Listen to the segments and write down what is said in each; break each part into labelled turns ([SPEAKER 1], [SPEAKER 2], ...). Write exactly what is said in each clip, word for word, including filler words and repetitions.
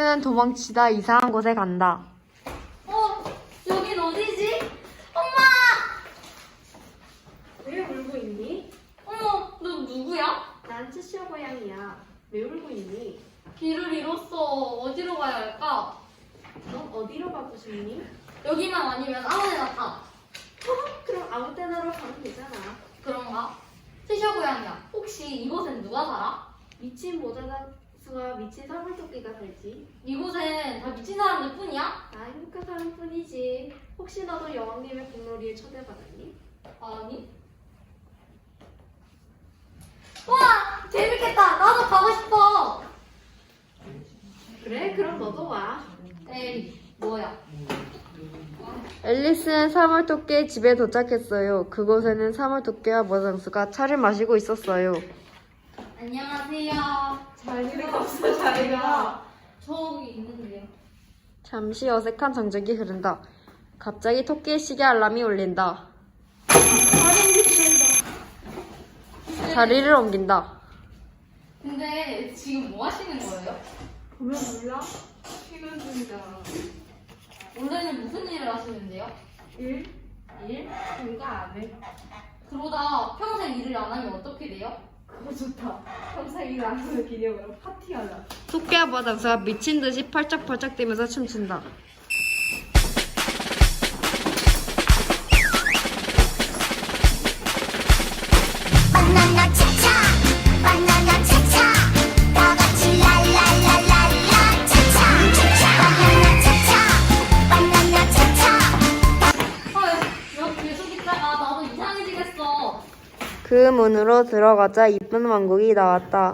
[SPEAKER 1] 앨리스는 도망치다 이상한 곳에 간다.
[SPEAKER 2] 어, 여긴 어디지? 엄마!
[SPEAKER 3] 왜 울고 있니?
[SPEAKER 2] 어머, 너 누구야?
[SPEAKER 3] 난 치시어 고양이야. 왜 울고 있니?
[SPEAKER 2] 길을 잃었어. 어디로 가야 할까?
[SPEAKER 3] 넌 어디로 가고 싶니?
[SPEAKER 2] 여기만 아니면 아무 데나 가.
[SPEAKER 3] 그럼 아무 때나로 가면 되잖아.
[SPEAKER 2] 그런가? 치셔 고양이야. 혹시 이곳엔 누가 살아?
[SPEAKER 3] 미친 모자다수와 미친 사물토끼가 살지.
[SPEAKER 2] 이곳엔 다 미친 사람들 뿐이야?
[SPEAKER 3] 나 행복한 사람뿐이지. 혹시 너도 여왕님의 공놀이에 초대받았니?
[SPEAKER 2] 아니. 와! 재밌겠다! 나도 가고 싶어!
[SPEAKER 3] 그래, 그럼 너도 와.
[SPEAKER 2] 에이, 뭐야?
[SPEAKER 1] 앨리스는 사물토끼의 집에 도착했어요. 그곳에는 사물토끼와 모장수가 차를 마시고 있었어요.
[SPEAKER 2] 안녕하세요.
[SPEAKER 3] 자리가 없어, 자리가.
[SPEAKER 2] 저기 있는데요.
[SPEAKER 1] 잠시 어색한 정적이 흐른다. 갑자기 토끼의 시계 알람이 울린다. 자리를 옮긴다.
[SPEAKER 2] 근데 지금 뭐 하시는 거예요?
[SPEAKER 3] 보면 몰라? 퇴근 중이다.
[SPEAKER 2] 원래는 무슨 일을 하시는데요?
[SPEAKER 3] 일?
[SPEAKER 2] 일?
[SPEAKER 3] 뭔가 안 해.
[SPEAKER 2] 그러다 평생 일을 안 하면 어떻게 돼요?
[SPEAKER 3] 그거 좋다. 평생 일 안 하는 기념으로 파티하자.
[SPEAKER 1] 토끼와 모장수가 미친 듯이 펄쩍펄쩍 뛰면서 춤춘다.
[SPEAKER 4] 바나나 차차 바나나 차차 다 같이 랄랄랄랄라 차차 바나나 차차 바나나 차차
[SPEAKER 2] 헐, 여기 계속 있다가 나도 이상해지겠어.
[SPEAKER 1] 그 문으로 들어가자 이쁜 왕국이 나왔다.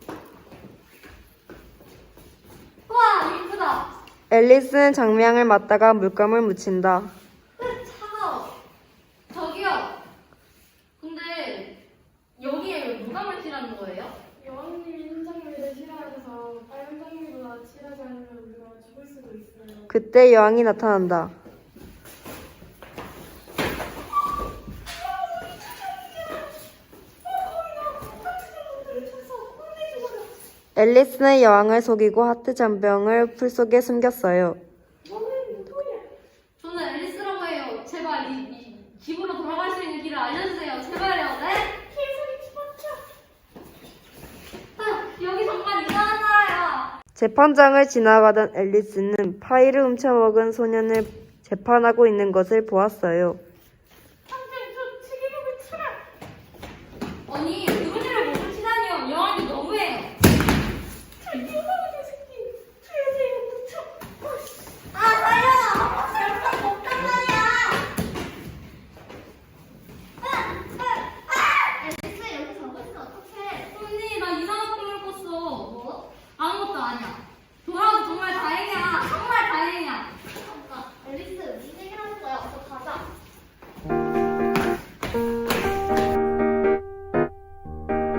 [SPEAKER 2] 우와, 이쁘다.
[SPEAKER 1] 앨리스는 장미향을 맡다가 물감을 묻힌다.
[SPEAKER 2] 으, 차가워. 저기요. 근데 여기에 왜 물감을 칠하는 거예요?
[SPEAKER 3] 여왕님이 흰 장미를 싫어하셔서 빨간 장미보다 칠하지 않으면 우리가 죽을 수도 있어요.
[SPEAKER 1] 그때 여왕이 나타난다. 앨리스는 여왕을 속이고 하트 잔병을 풀 속에 숨겼어요.
[SPEAKER 2] 저는 앨리스라고 해요. 제발 이, 이 집으로 돌아갈 수 있는 길을 알려주세요. 제발요. 네? 아, 여기 정말 이상한 나라야.
[SPEAKER 1] 재판장을 지나가던 앨리스는 파이를 훔쳐먹은 소년을 재판하고 있는 것을 보았어요.